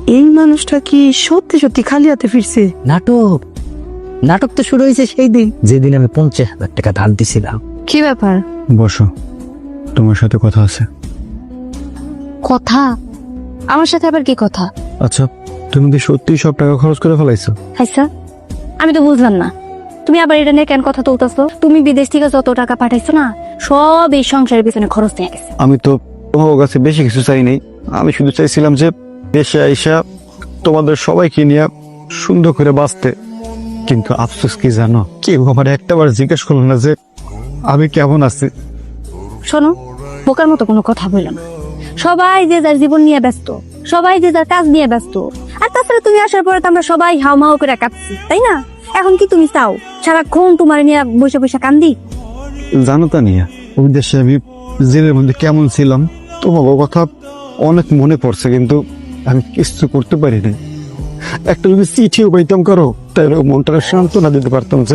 এই মানুষটা কি সত্যি সত্যি খালি হাতে ফিরছে? নাটক নাটক তো শুরু হয়েছে সেই দিন যেদিন আমি 50,000 টাকা ধার দিছিলাম। কি ব্যাপার? বসো, তোমার সাথে কথা আছে। কথা? আমার সাথে আবার কি কথা? আচ্ছা, তুমি কি সত্যি সব টাকা খরচ করে ফেলাইছো? আচ্ছা, আমি তো বুঝলাম না, তুমি আবার এটা নিয়ে কেন কথা তুলতেছো? তুমি বিদেশ থেকে যত টাকা পাঠাইছো না, সব এই সংসারের পিছনে খরচ হয়ে গেছে। আমি তো তোমার কাছে বেশি কিছু চাই নাই। আমি শুধু চাইছিলাম যে দেশে আইসা তোমাদের সবাইকে নিয়ে সুন্দর করে বাঁচতে। কিন্তু আফসোস কি জানো, কেউ আমার একটাবার জিজ্ঞেস করলো না যে আমি কেমন আছি। শোনো, বোকার মতো কোনো কথা বললো না। সবাই যে যার জীবন নিয়ে ব্যস্ত, সবাই যে যার কাজ নিয়ে ব্যস্ত। আর তাছাড়া তুমি আসার পরে তো আমরা সবাই হাউমাউ করে কাঁদছি, তাই না? এখন কি তুমি চাও সারাক্ষণ তোমার নিয়ে বসে বসে কান্দি? জানো তা নিয়ে ওই দেশে আমি জেলের মধ্যে কেমন ছিলাম, তোমার কথা অনেক মনে পড়ছে, কিন্তু আমি কিছু করতে পারিনি। একটা যদি চিঠিও পাইতাম করো, তাহলে মনটাকে সান্ত্বনা দিতে পারতাম যে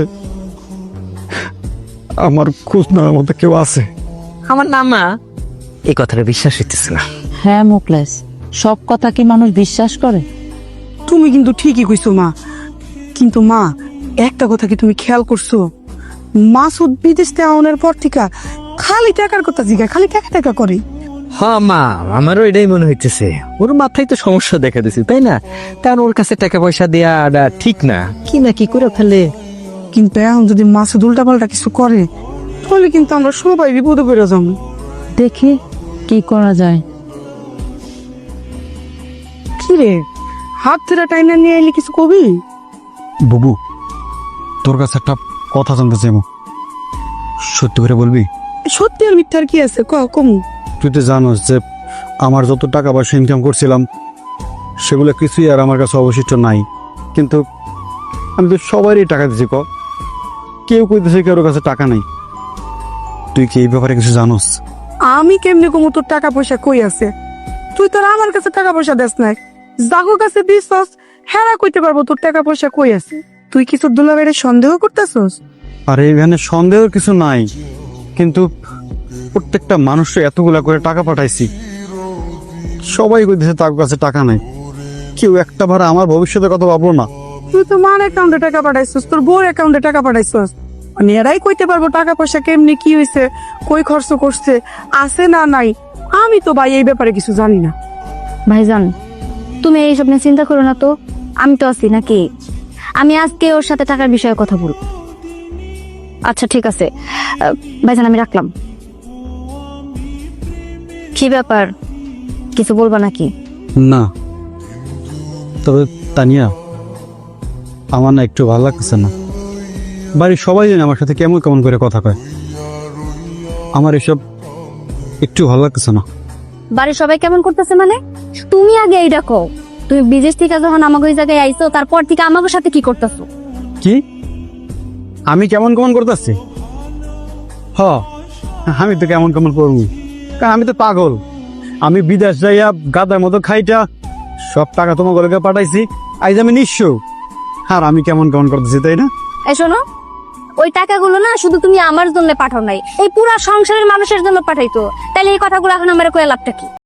আমার খোঁজ নেওয়ার মতো কেউ আছে। আমার নামা এই কথাটা বিশ্বাস হইতেছে না। হ্যাঁ মুকলেশ, সব কথা কি মানুষ বিশ্বাস করে? তুমি কিন্তু ঠিকই কইছো মা, কিন্তু মা একটা কথা কি তুমি খেয়াল করছো? মাসুদ বিদেশ থেকে আনার পর থেকে খালি টাকার কথা জিগায়, খালি টাকা টাকা করে। হ্যাঁ মা, আমারও এটাই মনে হইতেছে। ওর মাথায় তো সমস্যা দেখা দিছে, তাই না? কারণ ওর কাছে টাকা পয়সা দেয়া ঠিক না, কি না কি করে ফেলে। কিন্তু এখন যদি মাসুদ উল্টা পাল্টা কিছু করে, তাহলে কিন্তু আমরা সবাই বিপদে পড়ে যাবো। দেখি কি করা যায়। কি রে, হাত ধরে টাইনা নিয়ে এলে কিছু কবি? বুবু, তোর কাছে একটা কথা জানতে চাইব, সত্যি করে বলবি? সত্যি আর মিথ্যার কি আছে, কমু। তুই তো জানোস যে আমার যত টাকা পয়সা ইনকাম করছিলাম সেগুলো কিছুই আর আমার কাছে অবশিষ্ট নাই। কিন্তু আমি তো সবারই টাকা দিচ্ছি, কেউ কইতেছে কারোর কাছে টাকা নাই। তুই কি এই ব্যাপারে কিছু জানোস? আমি কেমনে কমু তোর টাকা পয়সা কই আছে? তুই তোর আমার কাছে টাকা পয়সা দেস নাই, জাগো কাছে দিছস, হেরা কইতে পারবো তোর টাকা পয়সা কই আছে? তুই কি তোর দুলাভাইরে সন্দেহ করতেছস? আর এইখানে সন্দেহের কিছু নাই, কিন্তু প্রত্যেকটা মানুষকে এতগুলা করে টাকা পাঠাইছি, সবাই কইতেছে তার কাছে টাকা নাই। কেউ একটা বার আমার ভবিষ্যতের কথা ভাবলো না। তুই তো মার অ্যাকাউন্টে টাকা পাঠাইছস, তোর বউর অ্যাকাউন্টে টাকা পাঠাইছস, মানে এরাই কইতে পারবো টাকা পয়সা কেমনে কি হয়েছে, কই খরচ করছে, আছে না নাই। আমি তো ভাই এই ব্যাপারে কিছু জানি না। ভাইজান, তুমি এইসব নিয়ে চিন্তা করো না তো, আমি তো আছি নাকি? আমি আজকে ওর সাথে টাকার বিষয়ে কথা বলবো। আচ্ছা ঠিক আছে ভাইজান, আমি রাখলাম। কি ব্যাপার, কিছু বলবা নাকি? না, তবে তানিয়া, আমার না একটু ভালো লাগতেছে না। বাড়ির সবাই জানে আমার সাথে কেমন কেমন করে কথা কয়, আমার এসব একটু ভালো লাগতেছে না। বাড়ির সবাই কেমন করতেছে মানে? তুমি আগে এইটা কও, তুমি বিদেশ থেকে যখন আমাকে ওই জায়গায় আইছো, তারপর থেকে আমাকে সাথে কি করতেছো? কি আমি কেমন কেমন করতেছি? আমি তো কেমন কেমন করবো, কারণ আমি তো পাগল। আমি বিদেশ যাইয়া গাদার মতো খাইটা সব টাকা তোমার গলকে পাঠাইছি, আজ আমি নিঃস্ব, আর আমি কেমন কেমন করতেছি, তাই না? এই শোনো, ওই টাকাগুলো না শুধু তুমি আমার জন্য পাঠাও নাই, এই পুরা সংসারের মানুষের জন্য পাঠাইতো। তাহলে এই কথাগুলো এখন আমার কয়ে লাভটা কি?